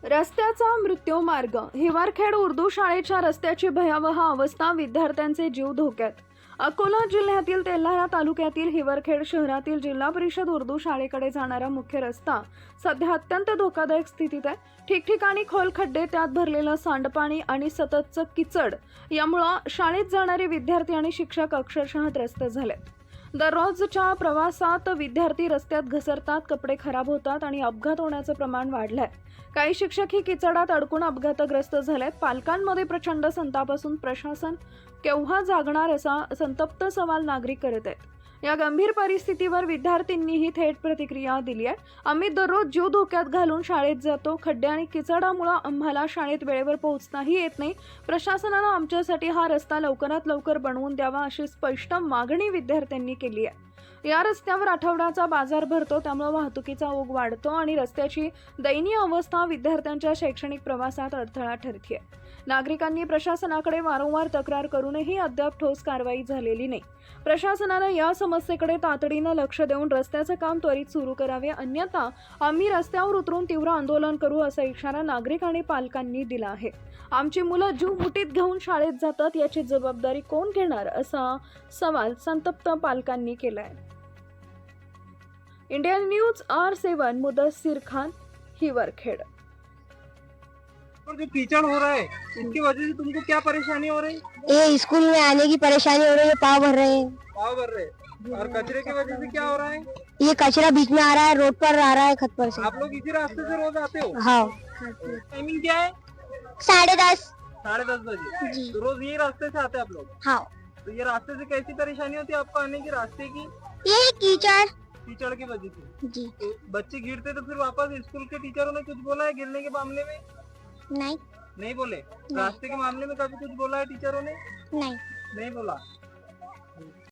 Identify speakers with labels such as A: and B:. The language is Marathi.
A: रस्त्याचा मृत्यू मार्ग. हिवरखेड उर्दू शाळेच्या रस्त्याची भयावह अवस्था, विद्यार्थ्यांचे जीव धोक्यात. अकोला जिल्ह्यातील तेल्हारा तालुक्यातील हिवरखेड शहरातील जिल्हा परिषद उर्दू शाळेकडे जाणारा मुख्य रस्ता सध्या अत्यंत धोकादायक स्थितीत आहे. ठिकठिकाणी खोल खड्डे, त्यात भरलेलं सांडपाणी आणि सततचं किचड यामुळे शाळेत जाणारे विद्यार्थी आणि शिक्षक अक्षरशः त्रस्त झालेत. दररोजच्या प्रवासात विद्यार्थी रस्त्यात घसरतात, कपडे खराब होतात आणि अपघात होण्याचं प्रमाण वाढलंय. काही शिक्षकही किचडात अडकून अपघातग्रस्त झालेत. पालकांमध्ये प्रचंड संताप असून प्रशासन केव्हा जागणार असा संतप्त सवाल नागरिक करत आहेत. या गंभीर परिस्थितीवर विद्यार्थ्यांनीही थेट प्रतिक्रिया दिली आहे. आम्ही दररोज जीव धोक्यात घालून शाळेत जातो. खड्डे आणि किचडामुळे आम्हाला शाळेत वेळेवर पोहोचताही येत नाही. प्रशासनानं आमच्यासाठी हा रस्ता लवकरात लवकर बनवून द्यावा अशी स्पष्ट मागणी विद्यार्थ्यांनी केली आहे. या रस्त्यावर आठवड्याचा बाजार भरतो, त्यामुळे वाहतुकीचा ओघ वाढतो आणि रस्त्याची दयनीय अवस्था विद्यार्थ्यांच्या शैक्षणिक प्रवासात अडथळा ठरते. नागरिकांनी प्रशासनाकडे वारंवार तक्रार करूनही अद्याप ठोस कारवाई झालेली नाही. प्रशासनानं या समस्येकडे तातडीनं लक्ष देऊन रस्त्याचं काम त्वरित सुरू करावे, अन्यथा आम्ही रस्त्यावर उतरून तीव्र आंदोलन करू असा इशारा नागरिक आणि पालकांनी दिला आहे. आमची मुलं जीव मुठीत घेऊन शाळेत जातात, याची जबाबदारी कोण घेणार असा सवाल संतप्त पालकांनी केलाय. Indian news R7 Mudassir Khan, Hiwarkhed.
B: और जो कीचड़ हो रहा है इसकी वजह से तुमको क्या परेशानी हो रही?
C: ये स्कूल में आने की परेशानी हो रही है, पाव भर रहे हैं।
B: पाव भर रहे और कचरे की वजह से क्या हो रहा है?
C: ये कचरा बीच में आ रहा है, रोड पर आ रहा है, खत पर से।
B: आप लोग इसी रास्ते से रोज आते हो?
C: हाँ।
B: टाइमिंग क्या है?
C: 10:30।
B: 10:30 बजे। तो रोज ये रास्ते से आते हैं आप लोग?
C: हाँ।
B: तो ये रास्ते से कैसी परेशानी होती है आपको आने की, रास्ते की?
C: ये कीचड़
B: कीचड़ की वजह से।
C: जी।
B: तो बच्चे गिरते तो फिर वापस स्कूल के टीचरों ने कुछ बोला है गिरने के मामले में?
C: नहीं।
B: नहीं बोले। रास्ते के मामले में कभी कुछ बोला है टीचरों ने?
C: नहीं।
B: नहीं बोला।